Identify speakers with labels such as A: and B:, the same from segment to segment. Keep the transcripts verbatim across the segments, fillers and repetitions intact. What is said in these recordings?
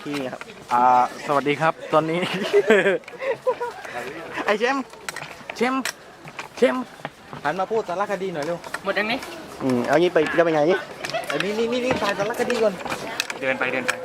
A: ที่นี่ครับ
B: อ่าสวัสดีครับตอนนี้ ไอเชมเชมเชมหันมาพูดสารคดีหน่อยเร็ว
C: หมดยังนี้
A: อืมเอางี้ไปจะไปไงนี่
B: อันนี้นี่นี่นี่ถ่ายสารคดีก่อน
C: เดินไปเดินไป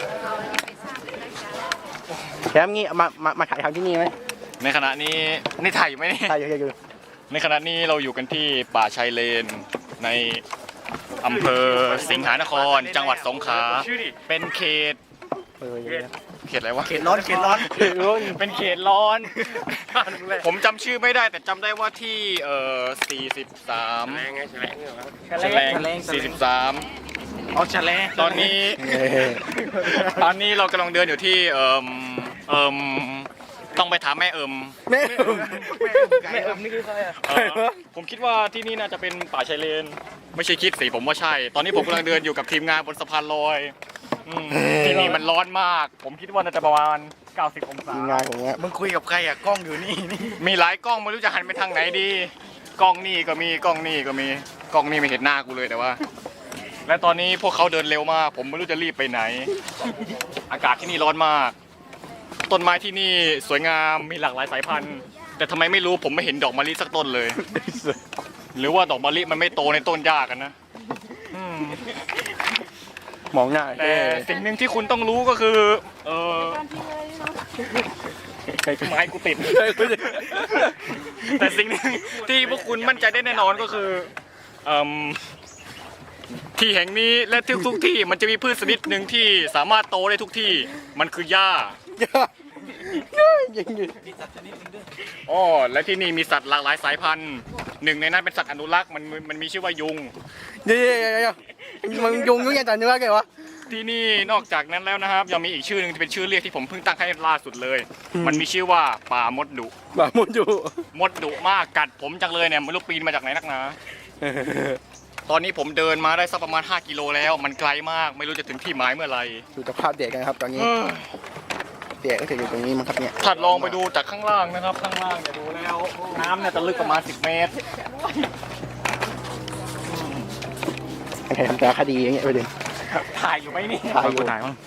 A: แชมป์งี้มามามาถ่ายทำที่นี่ไหม
C: ในขณะนี้นี่ถ่ายอยู่ไหมนี่
A: ถ่ายอยู่ถ่ายอยู่
C: ในขณะนี้เราอยู่กันที่ป่าชายเลนในอำเภอสิงหานคร จังหวัดสงขลาเป็นเขต
A: เออ
C: เขตอะไรวะ
B: เขตร้อนเขตร้อน
C: เป็นเขตร้อน ผมจำชื่อไม่ได้แต่จำได้ว่าที่เอ่อสี่สิบสามแฉลงสี่สิบสาม
B: เอาแฉลง
C: ตอนนี้ตอนนี้เรากำลังเดินอยู่ที่เอ่มเอ่มต้องไปถามแม่เอิม
A: แม่
B: แม่เอิมนี่คือใครอ่ะ
C: เอ่อผมคิดว่าที่นี่น่าจะเป็นป่าชายเลน ไม่ใช่คิดสิผมว่าใช่ ตอนนี้ผมกำลังเดินอยู่กับทีมงานบนสะพานลอยอืมที่นี่มันร้อนมาก ผมคิดว่าน่าจะประมาณเก้าสิบองศา
A: ทีมงานของเนี้ย
B: มึงคุยกับใครอ่ะกล้องอยู่นี่นี่
C: มีหลายกล้องไม่รู้จะหันไปทางไหนดี กล้องนี่ก็มีกล้องนี่ก็มีกล้องนี่ไม่เห็นหน้ากูเลยแต่ว่า และตอนนี้พวกเขาเดินเร็วมาก ผมไม่รู้จะรีบไปไหน อากาศที่นี่ร้อนมาก ต้นไม้ที่นี่สวยงามมีหลากหลายสายพันธุ์ แต่ทำไมไม่รู้ผมไม่เห็นดอกมะลิสักต้นเลย หรือว่าดอกมะลิมันไม่โตในต้นหญ้ากันนะอืม
A: มองหน้า
C: แต่สิ่งหนึ่งที่คุณต้องรู้ก็คือ เออไม้กูติด แต่สิ่งหนึ่งที่พวกคุณมั่นใจได้แน่นอนก็คือเอิ่มที่แห่งนี้และทุกทุกๆที่มันจะมีพืชชนิดหนึ่งที่สามารถโตได้ทุกที่ มันคือหญ้า
A: ยังอยู่
C: อ๋อและที่นี่มีสัตว์หลากหลายสายพันธุ์หนึ่งในนั้นเป็นสัตว์อนุรักษ์มันมันมีชื่อว่ายุง
A: เดี๋ยวเดี๋ยวเดี๋ยวมึงยุงยุงยังจันนึกว่าไงวะ
C: ที่นี่นอกจากนั้นแล้วนะครับยังมีอีกชื่อหนึ่งที่เป็นชื่อเรียกที่ผมเพิ่งตั้งให้ล่าสุดเลย มันมีชื่อว่าป่ามดดุ
A: บ้ามุนอยู่
C: มดดุมากกัดผมจังเลยเนี่ยไม่รู้ปีนมาจากไหนนักหนาตอนนี้ผมเดินมาได้สักประมาณห้ากิโลแล้ว มันไกลมากไม่รู้จะถึงที่หมายเมื่อไหร่
A: ดูสภาพเด็กกันครับตอนนี้
C: เอ้ย
A: เด็กก็จะอยู่ตรงนี้มั้งครับเนี่ย
C: ถัดลองไปดูจากข้างล่างนะครับข้างล่างเนี่ยดูแล้วน้ำเนี่ยจะลึกประมาณสิบเมตร
A: ใครทำสารคดีอย่างเงี้ยไปดู
C: ถ่ายอยู่ไหมนี่
A: ถ่ายอยู่
B: ถ่ายมั้ง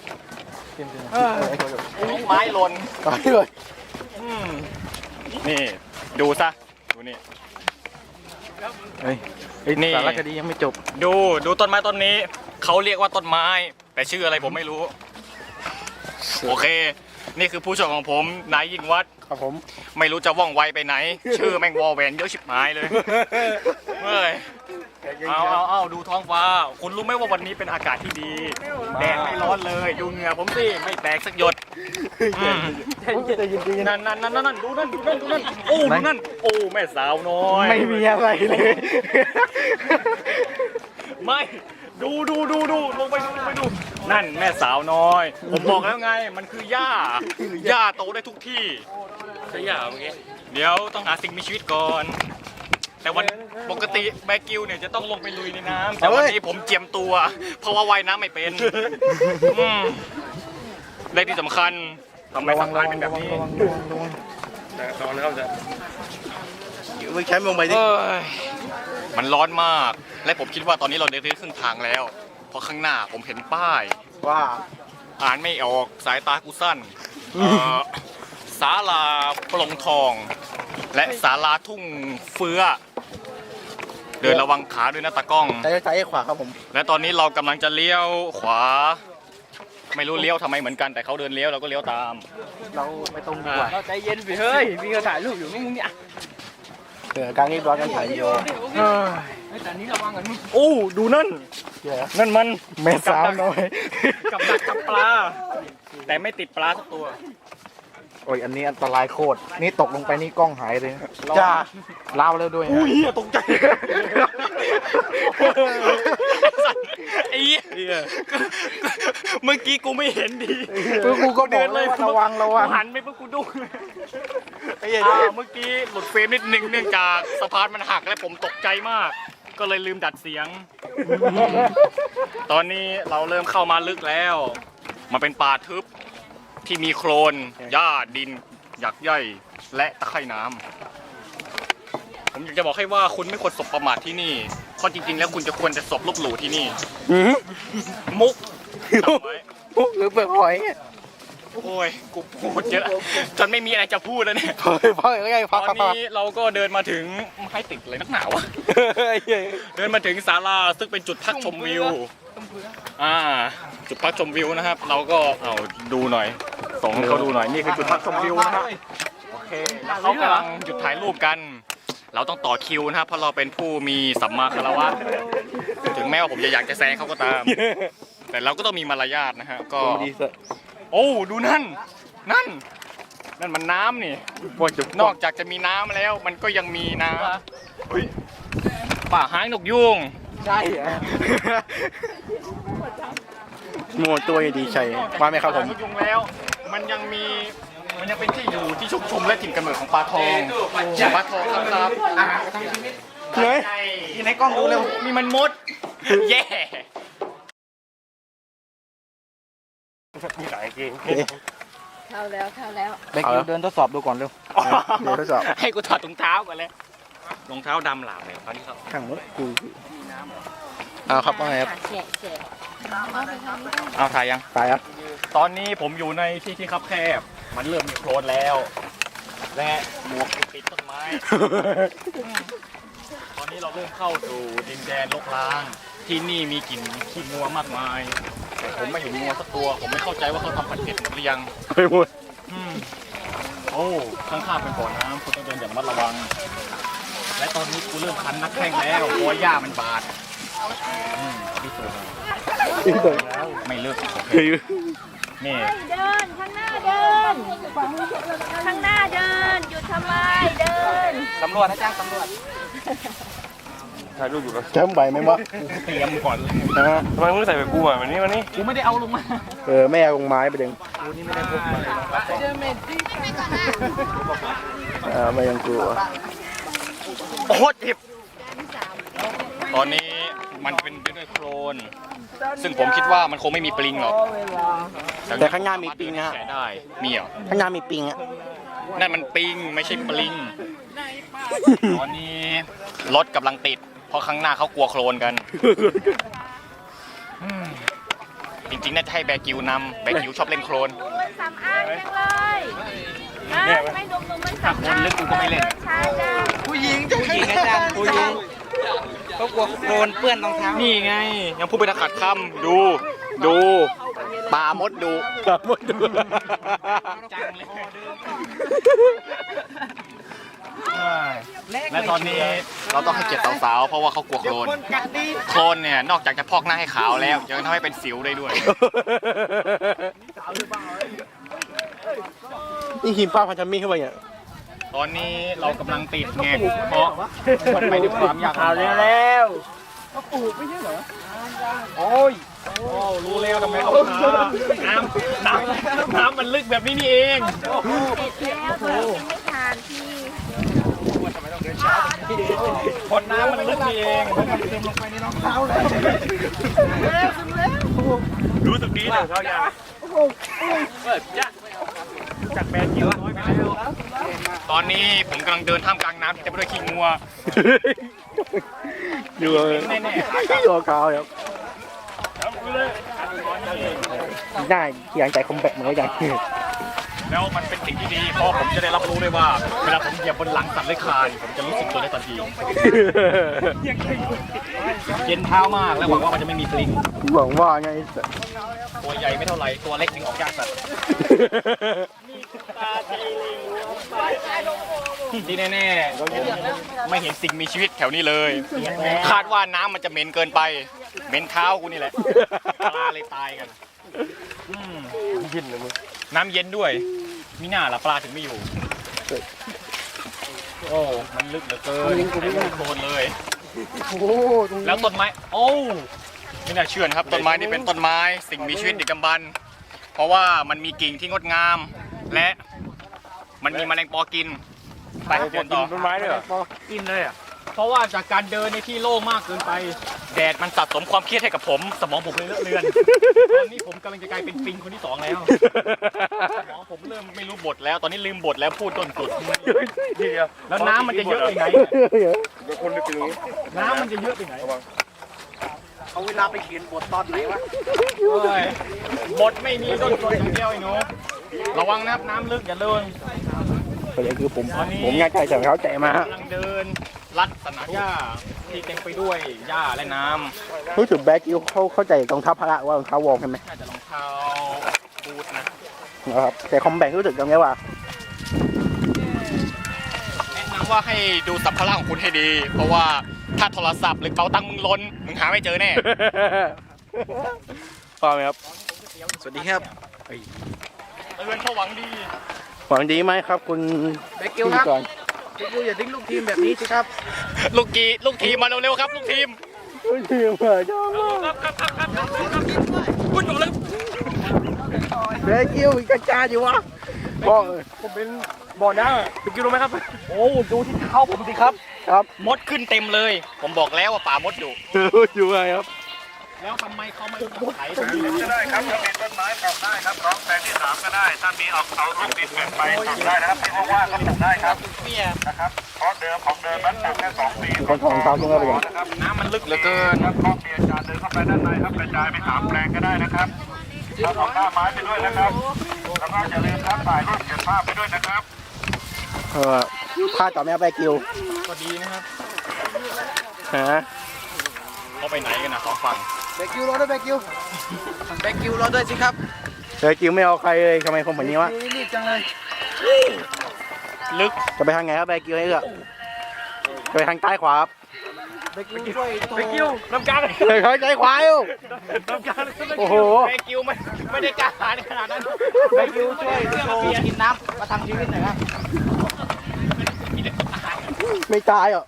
C: ลูกไม้หล่น
A: ถ่ายเลย
C: อืมนี่ดูซะดูนี่
B: เฮ้ยเฮ้ย
C: นี่
B: สารคดียังไม่จบ
C: ดูดูต้นไม้ต้นนี้เขาเรียกว่าต้นไม้ แต่ชื่ออะไรผมไม่รู้ โอเค นี่คือผู้ชมของผมนายยิ่งวัด
A: ครับผม
C: ไม่รู้จะว่องไวไปไหน ชื่อแม่งวอแหวนเยอะชิบหายเลยเฮ้ยเอาเอาเอาดูท้องฟ้า คุณรู้ไหมว่าวันนี้เป็นอากาศที่ดี แดดไม่ร้อนเลยดูเหงื่อผมสิไม่แตกสักหยดอืม
A: จะยินดีนะ
C: นั่นนั่นนั่นนั่นดูนั่นดูนั่นดูนั่นโอ้ดูนั่นโอ้แม่สาวน้อย
A: ไม่มีอะไรเลย
C: ไม่ดูดูดูดูลงไปดูลงไปดูนั่นแม่สาวน้อย ผมบอกแล้วไงมันคือหญ้าหญ้าโตได้ทุกที่ใช่หญ้าเมื่อกี้เดี๋ยวต้องหาสิ่งมีชีวิตก่อน แต่วันปกติแบกิวเนี่ยจะต้องลงไปลุยในน้ำแต่วันนี้ผมเจียมตัว เพราะว่าว่ายน้ำไม่เป็นอืมและที่สำคัญทำไมสัมภาษณ์เป็นแบบนี้
B: ตอนนะครับจะ
A: มึงใช้ลงไปดิ
C: เอ้ยมันร้อนมาก และผมคิดว่าตอนนี้เราเดินได้ครึ่งทางแล้ว เพราะข้างหน้าผมเห็นป้าย
A: ว่า
C: อ่านไม่ออกสายตากูสั้นเอ่อศาลาปลงทอง และศาลาทุ่งเฟื้อ เดินระวังขาด้วยนะตากล้อง
A: ใช้ซ้ายขวาครับผม
C: และตอนนี้เรากำลังจะเลี้ยวขวา ไม่รู้เลี้ยวทำไมเหมือนกันแต่เขาเดินเลี้ยวเราก็เลี้ยวตาม
A: เราไม่ตรงดีกว่า
B: เราใจเย็นไปเฮ้ยมีเขาถ่ายรูปอยู่มึงเนี่ย
A: เออการรีบร้อนกันถ่ายวีดีโอ
B: แต่นี้ระวังกันมึง
C: โอ้ดูนั่น
A: เดี๋ยว
C: นั่นมัน
A: แม่สาวน้อย
C: กับดักจับปลา แต่ไม่ติดปลาสักตัว
B: โอ้ยอันนี้อันตรายโคตรนี่ตกลงไปนี่กล้องหายเลย
A: จ้า
B: เล่าแล้วด้วย
C: อุ้ยตกใจไอ้เหี้ยเมื่อกี้กูไม่เห็นดี
B: กูก็บอกเลยว่าระวังระวัง
C: หันไปเพื่อกูดูอ่าเมื่อกี้หลุดเฟรมนิดนึงเนื่องจากสะพานมันหักและผมตกใจมาก ก็เลยลืมดัดเสียง ตอนนี้เราเริ่มเข้ามาลึกแล้วมันเป็นป่าทึบที่มีโคลนหญ้าดินหยักใยและตะไคร่น้ำผมอยากจะบอกให้ว่าคุณไม่ควรสบประมาทที่นี่เพราะจริงๆแล้วคุณจะควรจะสบลบหลู่ที่นี่ มุกจำไว้
A: มุกหรือเปลือกหอย
C: โอ้ยกูพูดเยอะจนไม่มีอะไรจะพูดแล้วเนี่ย
A: เฮ้ยพ่อยังไง
C: ต
A: พ่อ
C: อนนี้เราก็เดินมาถึงให้ติดเลยนักหนาวะ เดินมาถึงศาลาซึ่งเป็นจุดพักชมวิวอ่าจุดพักชมวิวนะครับ เราก็เอาดูหน่อยส่งให้เขาดูหน่อยนี่คือจุดพักชมวิวนะครับโอเคแล้วเขากำลังหยุดถ่ายรูปกัน เราต้องต่อคิวนะครับเพราะเราเป็นผู้มีสัมมาคารวะถึงแม้ว่าผมจะอยากจะแซงเขาก็ตาม แต่เราก็ต้องมีมารยาทนะฮะก็โอ้ดูนั่นนั่นนั่นมันน้ำนี่นอกจากจะมีน้ำแล้วมันก็ยังมีน้ำเฮ้ยป่าหางนกยุง
B: ใช่เหรอ
A: โม่ตัวดีชัยมาไหมครับผม
C: นกยุงแล้วมันยังมีมันยังเป็นที่อยู่ที่ชุกชุมและถิ่นกำเนิดของปลาทองปลาทองครับครับ
A: เฮ้ย
B: ที่ในกล้องดูเร็ว
C: นี่มันมดแย่
D: เข้าแล้วเข้าแล้ว
B: แบคิวเดินทดสอบดูก่อนเร็ว
A: เดี๋ยวทดสอบ
C: ให้กูถอดรองเท้าก่อนเลยรองเท้าดำหลาบเลยตอนนี้ครับ
A: ข้างรถกูเอาครับว่าไงครับ
D: แฉะแฉะเอาไปทางนี้ได้
C: เอาถ่ายยัง
A: ตายครับ
C: ตอนนี้ผมอยู่ในที่ที่คับแคบ มันเริ่มมีโคลนแล้ว และหมวกปิดต้นไม้ ตอนนี้เราเริ่มเข้าสู่ดินแดนรกร้าง ที่นี่มีกลิ่นขี้งัวมากมาย แต่ผมไม่เห็นงัวสักตัว ผมไม่เข้าใจว่าเขาทำผัดเผ็ดหรือยัง
A: ไปหมด
C: อืมโอ้ ข้างๆเป็นบ่อน้ำคุณต้องเดินอย่างระมัดระวัง และตอนนี้กูเริ่มคันนักแข้งแล้วเพราะว่าหญ้ามันบาดอืมที่สุด
A: อีกตัว
C: ไม่เลิกโอเค
A: เฮ้ย
C: นี่
D: เดินข้างหน้าเดิน ข้างหน้าเดิน หยุดทำไมเดิน
B: ตำรวจนะจ้างตำรวจ
A: จำใบไหมวะ
C: เตรียมก่อนเลย
A: นะฮะ
E: ทำไมมึงใส่แบบกูอ่ะวันนี้วันนี้
C: กูไม่ได้เอาลงมา
A: เออแม่เอาลงไม้ไปเด้งเออไม่ยังกลัว
C: โอ้เจ็บตอนนี้มันเป็นไปด้วยโคลน ซึ่งผมคิดว่ามันคงไม่มีปลิงหรอก
A: แต่ข้างหน้ามีปิงนะฮะ
C: แกะได้ มีเหรอ
A: ข้างหน้ามีปิงอ่ะ
C: นั่นมันปิงไม่ใช่ปลิง ตอนนี้รถกำลังติด เพราะข้างหน้าเขากลัวโคลนกันอืมจริงๆน่าจะให้แบกิวนำแบกิวชอบเล่นโคลน
D: มันสำอางจังเลยนะไม่ดมดมมันสำอาง
C: ถ้าคนลึกกูก็ไม่เล่น
D: ใช่จ้ะ
B: ผู้หญิงผู้หญิงอาจารย์ผู้หญิงเขากลัวโดนเปื้อนรองเท้า
C: นี่ไง ยังพูดไปนะขัดคำดู ดูปลามดดู
A: หมดดู
C: จังเลยและตอนนี้เราต้องให้เกียรติสาวๆ เพราะว่าเขากลัวโคลน โคลนเนี่ยนอกจากจะพอกหน้าให้ขาวแล้วยังทำให้เป็นสิวได้ด้วย
A: นี่หิมป้าพันธมิตรเข้าไปเนี่ย
C: ตอนนี้เรากำลังติดไงเพราะมันไปด้วยความยากลำบาก
B: ว
C: โอ้ยโอ้รู้แล้วทำไมเขาน้ำน้ำน้ำมันลึกแบบนี้นี่เอง
D: เสร็จแล้วเธอยังไม่ทานที่
C: คนน้ำมันลึกนี่เองรู้สึกดีเลยเขาอยากเปิดยะจากแบรนด์เกียวน้อยไปแล้วตอนนี้ผมกำลังเดินท่ามกลางน้ำที่เต็มไปด้วยขี้งัว
A: อยู่แน่ๆตัวขาวครับได้อย่างใจคอมแบทเหมือนกัน
C: แล้วมันเป็นสิ่งที่ดีเพราะผมจะได้รับรู้ด้วยว่าเวลาผมเหยียบบนหลังสัตว์เลื้อยคลานผมจะรู้สึกตัวได้ทันทีเย็นเท้ามากและหวังว่ามันจะไม่มีปลิง
A: หวังว่าไง
C: ตัวใหญ่ไม่เท่าไหร่ตัวเล็กถึงออกยากสัตว์ที่แน่ๆไม่เห็นสิ่งมีชีวิตแถวนี้เลย คาดว่าน้ำมันจะเหม็นเกินไปเหม็นเท้ากูนี่แหละปลาเลยตายกันอืมน้ำเย็นด้วยมีหน้าละปลาถึงไม่อยู่ โอ้ มันลึกเหลือเกินไม่โคลนเลย แล้วต้นไม้ โอ้ ไม่น่าเชื่อนะครับ ต้นไม้นี่เป็นต้นไม้ สิ่งมีชีวิตดึกดำบรรพ์เพราะว่ามันมีกิ่งที่งดงาม และมันมีแมลงปอกิน ไปเดินต่อ
E: ต้นไม้ด้วยเหรอ
C: กินเลยอ่ะ เพราะว่าจากการเดินในที่โล่งมากเกินไป แดดมันสะสมความเครียดให้กับผม สมองผมเลยเลอะเลือน ตอนนี้ผมกำลังจะกลายเป็นปิงคนที่สองแล้ว สมองผมเริ่มไม่รู้บทแล้ว ตอนนี้ลืมบทแล้วพูดต้นสุด แล้วน้ำมันจะเยอะไปไหนเนี่ยน้ำมันจะเยอะไปไหน
B: เอาเวลาไปเขียนบทตอนไหนวะ
C: โอ้ยบทไม่มีต้นสุดอย่างเดียวไอ้หนูระวังนะครับน้ำลึกอย่าเลื่อน
A: ประเด็นคือผมผมง่ายใจแต่เขาใจมาฮะ
C: กำลังเดินลัดสนามหญ้าที่เต็มไปด้วยหญ้าและน้ำ
A: รู้สึกแบกิวเขาเข้าใจรองเท้าพละว่ารองเท้าวอร์มใช่ไหม
C: น่าจะรองเท้าบูทนะ
A: นะครับแต่คอมแบงรู้สึกยังไงว่า
C: แนะนำว่าให้ดูสัมภาระของคุณให้ดี เพราะว่าถ้าโทรศัพท์หรือเป๋าตังค์มึงล้นมึงหาไม่เจอแน่
A: ฟังไหมครับ
B: สวัสดีครับ
C: เตือนเขาหวังดี
A: หวังดีไหมครับคุณ
B: แบกิวครับ
A: ก่อน
B: แบกิวอย่าทิ้งลูกทีมแบบนี้สิครับ
C: ลูกกีลูกทีมมาเร็วๆครับลูกทีม
A: ทีมเหรอจ้า
C: คุณอยู่เลย
A: แบกิวกระจายอยู่วะบอก
C: ผมเป็นบ่อน้ำคุณกินรู้ไหมครับโอ้ดูที่เท้าผมสิครับ
A: ครับ
C: มดขึ้นเต็มเลย ผมบอกแล้วว่าป่ามดอยู่
A: อยู่ไงครับ
C: แล้วทำไมเขาไม่ไถตรงนี้
E: ก็ได้ครับถ้ามีต้นไม้ปลูกได้ครับร้องแปลงที่สามก็ได้ ถ้ามีเอาเอาลูกดินเกินไปปลูกได้นะครับที่ว่างๆก็ปลูกได้ครับ
C: เปี้ย
E: นะครับเพราะเดิมของเดิมนั้นปลูกแค่สองปี
A: มีคนถอดรองเท้าทิ้งไว้ไปยัง
E: นะครับ
C: น้ำมันลึกเหลือเกิน
E: ครับข้อมีอาจารย์เดินเข้าไปด้านในครับกระจายไปสามแปลงก็ได้นะครับแล้วเอาหน้าไม้ไปด้วยนะครับแล้วก็อย่าลืมครับถ่ายรูปเก็บภาพไปด้วยนะครับ
A: เออพลาดต่อแม่แบกิว
C: ก็ดีนะครับ
A: ฮะ
C: เขาไปไหนกันนะสองฝั่ง
B: แบกิวรอด้วยแบกิวแบกิวรอด้วยสิครับ
A: แบกิวไม่เอาใครเลยทำไมคนแบบนี้วะ
B: รีบจังเลย
C: ลึก
A: จะไปทางไหนครับแบกิวให้เลือกจะไปทางใต้ขวาครับ
B: แบกิวช่วยโทร
C: ไปกิ้วน้ำกลาง
A: เฮ้ยเขาใจขวาอยู่
C: น้ำกลาง
A: โอ้โห
C: ไปกิ้วไม่ไม่ได้กล้าหาญขนาดนั้น
B: แบกิวช่วยโทรกินน้ำประทังชีวิตหน่อยครับ
A: ไม่ตายอ่ะ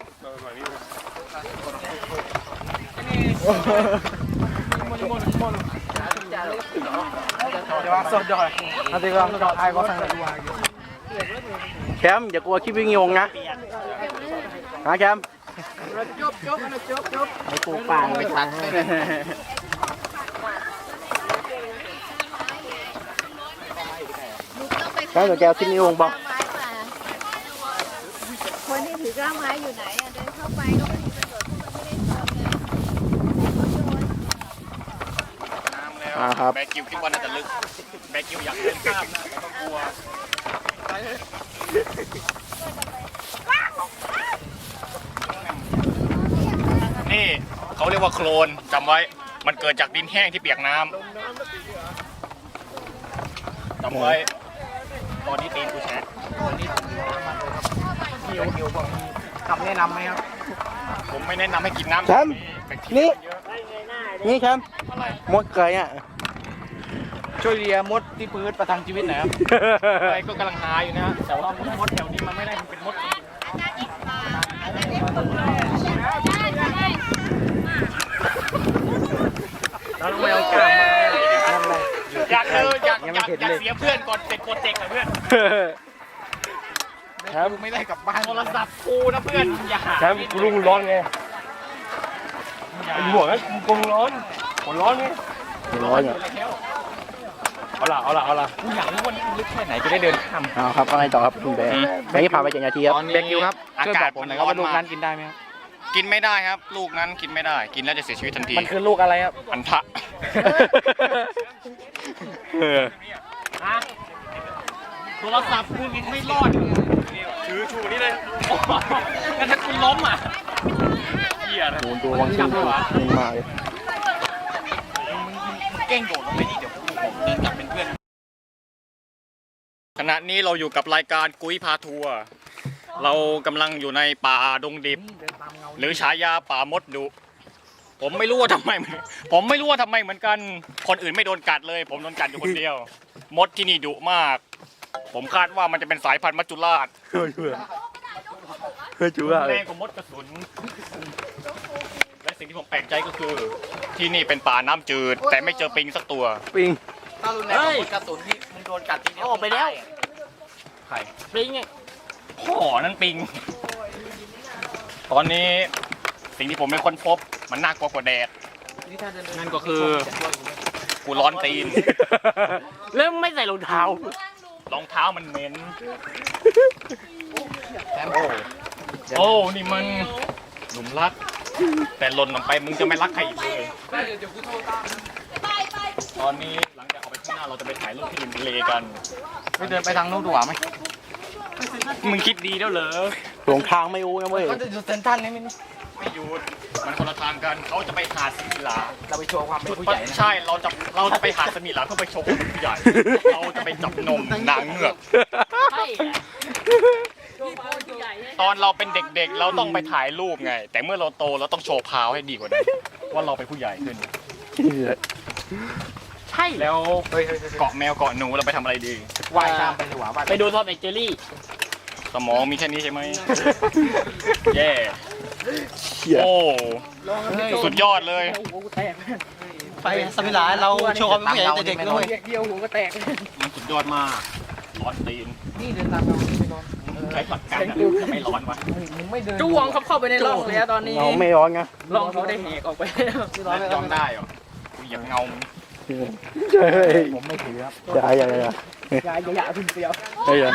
B: เดี๋ยวสดดอยเอาดีกว่าสดไอ้ก็สั่งเลย
A: แคมป์อย่ากลัวคลิปวิ่งงงนะฮะแคมป์
B: จบจบจบจบ
A: ไอ้ปูป่างไปตัดแล้วเดี๋ยวแกเอาคลิปนี้ลงบอก
D: คนที่ถือกล้ามไม้อยู่ไหนอ่ะเดินเข้าไปก็ไม่มีประโยชน์เพราะไม่ได้ทำไง
C: น้ำแล้ว
A: อ่าครับ
C: แบกิวคิดว่าน่าจะลึกแบกิวอยากเล่นกล้ามไม่ต้องกลัวนี่เขาเรียกว่าโคลนจำไว้ มันเกิดจากดินแห้งที่เปียกน้ำจำไว้ ตอนนี้ตีนกูแฉะ
B: เกี่ยวเกี่ยวบอกมีคำแนะนำไหมครับ
C: ผมไม่แนะนำให้กินน้ำ
A: แชมป์
C: แบคทีเรี
A: นี่
C: ยเยอะ
A: นี่แคมป์มดเคยอ่ะ
B: ช่วยเลียมดที่พื้นประทังชีวิตหน่อยครับ
C: อะไรก็กำลังหาอยู่นะฮะแต่ว่ามดแถวนี้มันไม่ได้มันเป็นมด
B: เราต้องไปเอากล้ามมา
C: อยากเจออยากอยากอยากเสียเพื่อนก่อนเสร็จโปรเจกต์อะเพื่อน
B: ครับไม่ได้กลับบ้าน
C: โทรศัพท์กูนะเพื่อนอย่าหา
F: แชมป์กูรู้มึงร้อนไงเป็นห่วงนะกูกลัวมึงร้อนหัวร้อนไง
A: ร้อนอ่ะ
F: เอาล่ะเอาล่ะเอาล่ะ
C: กูอยากรู้ว่านี่มันลึกแค่ไหนจะได้เดินข้าม
A: เอาครับว่าไงต่อครับคุณแบร์แบงค์ผ่านไปเจ็ดนาทีครับ
C: ตอนนี้
B: แบกิวครับ
C: อา
B: ช่วย
C: กา
B: บ
C: ศ
B: อกผมหน่อยครับว่าลูกนั้นกินได้ไหมครับ
C: กินไม่ได้ครับ ลูกนั้นกินไม่ได้ กินแล้วจะเสียชีวิตทันที
B: มันคือลูกอะไรครับ
C: อันทะ
A: เออ
C: ฮะโทรศัพท์กูไม่รอดถือชูนี่เลยงั้นถ้าคุณล้มอ่ะเหี้ยนะ
A: โดนตัววังชิงมึงมาเลย
C: เก้งโดดลงไปนี่เดี๋ยวผมเดินกลับเป็นเพื่อนขณะนี้เราอยู่กับรายการกุ้ยพาทัวร์เรากำลังอยู่ในป่าดงดิบ หรือฉายาป่ามดดุผมไม่รู้ว่าทำไม ผมไม่รู้ว่าทำไมเหมือนกัน คนอื่นไม่โดนกัดเลย ผมโดนกัดอยู่คนเดียว มดที่นี่ดุมาก ผมคาดว่ามันจะเป็นสายพันธุ์มัจจุราช
A: เฮ้ยเพื่อเฮ้ยจูว่าเล
C: แร
A: ย
C: งกว่ามดกระสุน และสิ่งที่ผมแปลกใจก็คือ ที่นี่เป็นป่าน้ำจืด แต่ไม่เจอปิงสักตัว
A: ปิง
B: ถ้ารุนแรงกับมดกระสุนนี่มึงโดนกัดทีเดียวออกไปแล้ว
C: ใครปิงไงพ่อนั่นปิง ตอนนี้สิ่งที่ผมเป็นคนพบมันน่ากลัวกว่าแดด นั่นก็คือกูร้อนตีน
F: แล้วไม่ใส่รองเท้าร
C: องเท้ามันเหม็น โอ้ นี่มันหลุมรัก แต่หล่นลงไปมึงจะไม่รักใครอีกเลย ตอนนี้หลังจากออกไปข้างหน้าเราจะไปถ่ายรูปที่ริมทะเลกัน
B: ไปเดินไปทางนู้นดีกว่าไหม
C: มึงคิดดีแล้วเหรอ
A: หลงทางไม่รู้นะเว้ย
B: ก็จะอยู่เซนทรัลนี่มั้ย
C: ไม่หยุดมันคนละทางกันเขาจะไปหาดสมิลา
B: เราไปโชว์ความเป็นผู้ใหญ่นะ
C: ใช่ เราจะ เราจะไปหาดสมิลาเพื่อไปชมผู้ใหญ่ เราจะไปจับนมนางเงือก
D: ใช่โชว์ความใหญ่เลย
C: ตอนเราเป็นเด็กๆ เราต้องไปถ่ายรูปไง แต่เมื่อเราโตเราต้องโชว์พาวให้ดีกว่านั้นว่าเราเป็นผู้ใหญ่ขึ้น
F: ใช่
C: แล้วเกาะแมวเกาะหนูเราไปทำอะไรดี
B: ว่ายข้ามไปดีกว่าว่าย
F: ไปดูทอมแอนเจอรี่
C: สมองมีแค่นี้ใช่ไหม แย่
A: เหี้ย
C: โอ้สุดยอดเลย
G: ไปสมิลาเราโชว์ความเป็นผู้ใหญ่แต่เด็กด้วย
F: เดียวหัวก็แตก
C: มันสุดยอดมาก ร้อนตีน
B: นี่เดินตามเราไม่ร้อน
C: ใช้ผัดกันอะจะไม่ร้อนวะ
B: มึงไม่เดิน
F: จ้วงครับเข้าไปในร่องเลยตอนนี้
A: เงาไม่ร้อนไง
F: ร่องเขาได้แหกออกไปแล้ว
C: ยอมได้เหรอกูอยากเงา
A: ใช่
B: ผมไม่ถือครับ
A: อย่าอย่าอย่า
F: อย่าอย่าอย่าขึ้นเสียว
A: เฮ้ยอย่า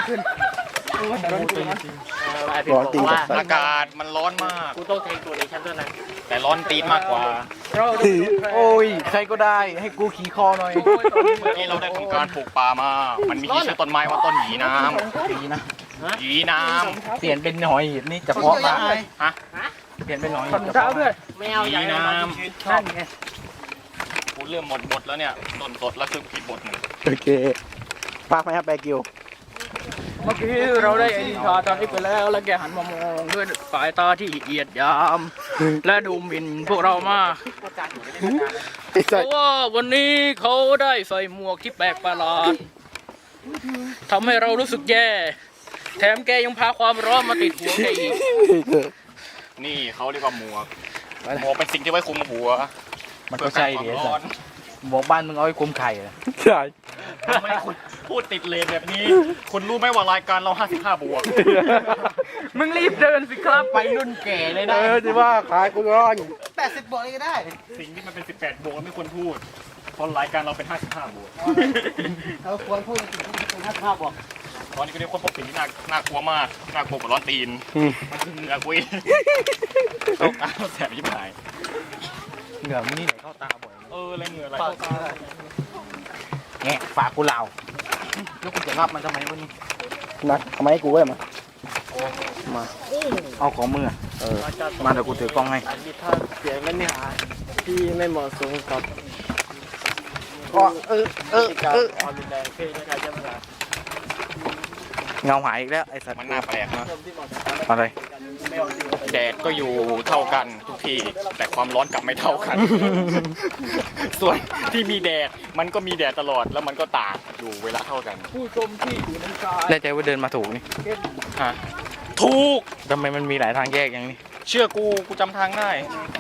A: ร้อนตีน
F: ว่า
A: จัด
C: อากาศมันร้อนมาก
F: กูต้องเทคตัวในชั้นด้วยนะ
C: แต่ร้อนตีนมากกว่า
B: โอ้ยใครก็ได้ให้กูขี่คอหน่อย
C: เมื่อกี้เราได้ทำการปลูกป่ามา มันมีชื่อต้นไม้ว่าต้นหยีน้
B: ดีนะ
C: ำหยีน้
B: เปลี่ยนเป็นหอยหีบนี่เฉพาะมา
C: ำฮะ
B: เปลี่ยนเป็นหอย
F: ถอดรองเท้าด้วยไม่เอา
C: ห
F: อย่า
C: ยี
F: ง
C: น้
F: นั่นไง
C: ำกูเริ่มหมดบทแล้วเนี่ยต้นสดแล้วคือผิดบทหนึ่ง
A: โอเคปากไหมครับแบกิว
F: เมื่อกี้เราได้ไอ้นิทาตอนนี้ไปแล้วแล้วแกหันมามองด้วยสายตาที่เหยียดหยาม และดูหมิ่นพวกเรามาก
A: ไอ้
F: เพ
A: สัส
F: ราะว่าวันนี้เขาได้ใส่หมวกที่แปลกประหลาดทำให้เรารู้สึกแย่ แถมแกยังพาความร้อนมาติดหัวแกอีก
C: นี่เขาเรียกว่าหมวกหมวกเป็นสิ่งที่ไว้คลุมหัว
B: มันก็ใช่ดิ
C: เพื่อ
B: ไอ้
C: กันความร้
B: สั
C: อ
B: ส
C: น
B: บอกบ้านมึงเอาไว้คุมไข่เหรอ
A: ใช่
C: ทำไมคุณพูดติดเลนแบบนี้ คุณรู้ไหมว่ารายการเราห้าสิบห้าบวก
F: มึงรีบเดินสิครับ
B: ไปรุ่นแก่เลย
A: เอ
B: นะ
A: อที่ว่าขายกูร้อน
G: แปดสิบบวกเลยก็ได้
C: สิ่งที่มันเป็นสิบแปดบวกเราไม่ควรพูดเพราะรายการเราเป็นห้าสิบห้าบวก
G: เราควรพูดถึงถึงห้าสิบห้าบวก
C: ตอนนี้ก็เรียกว่าพบสิ่งที่น่าน่ากลัวมากน่ากลัวกว่าร้อนตีน
A: อืม
C: มันคือเหงื่อกุยเข้าตาแสบยิ่งหาย
B: เหงื่อมึงนี่ไหนเข้าตาบ่อย
C: เอออะไรเหงื่ออะไรเข้าตา
B: แงะฝากกูเหล่าแล้วกูจะรับมันทำไมวะนี่
A: นักทำไมให้กูไว้มา
B: มาเอาของมืออะเออมาเดี๋ยวกูถือกล้องให้
F: มีท่าเสียงและเนื้อหาที่ไม่เหมาะสมกับ
A: ก็เออเออ
F: การ
A: เออ
F: ความรุนแรงเพศและการใช้เวลา
B: เงาหายอีกแล้วไอ้สัตว์
C: มันน่าแปลกนะ
B: อะไร
C: แดดก็อยู่เท่ากันทุกที่แต่ความร้อนกลับไม่เท่ากัน ส่วนที่มีแดดมันก็มีแดดตลอดแล้วมันก็ตากอยู่เวลาเท่ากัน
F: ผู้ชมที่อยู่ในกาย
B: ได้ใจว่าเดินมาถูกนี่
C: ฮะถูก
B: ทำไมมันมีหลายทางแยกอย่างนี้
C: เชื่อกูกูจำทางได้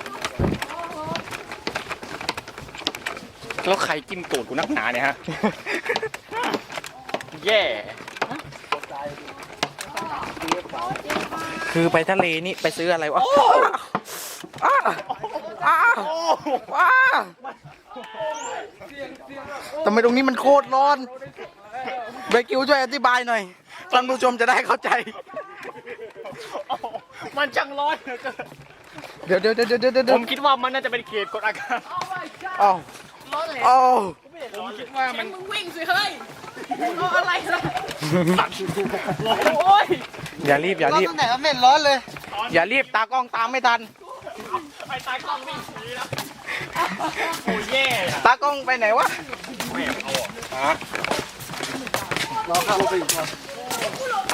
C: แล้วใครจิ้มตูดกูนักหนาเนี่ยฮะ แย่
B: คือไปทะเลนี่ไปซื้ออะไรวะอ้าอ้าอ้าทำไมตรงนี้มันโคตรร้อนเบกิวช่วยอธิบายหน่อยท่านผู้ชมจะได้เข้าใจ
C: มันช่างร้อนเหลือเกิน
B: เดี๋ยวเดี๋ยวเดี๋ยวเดี๋ยวเดี๋ยว
C: ผมคิดว่ามันน่าจะเป็นเขตกดอากาศ
B: อ้าวอ้าว
C: ผมคิดว่ามัน
D: มึงวิ่งสิเฮ้ยเอาอะไรล่ะ
C: สั่น
D: โอ้ย
B: อย่ารีบอย่า
G: ร้อน
B: รีบ
G: ตั้งแต่ไม่เห็นร้อนเลย
B: อย่ารีบตากล้องตามไม่ทัน
C: ไอ้ตายกล้องวิ่งหนีแล้วโอ้ยแย่อะ
B: ตากล้องไปไหนวะ
C: แม่เอาออก
G: รอเข้าไปอีกครับ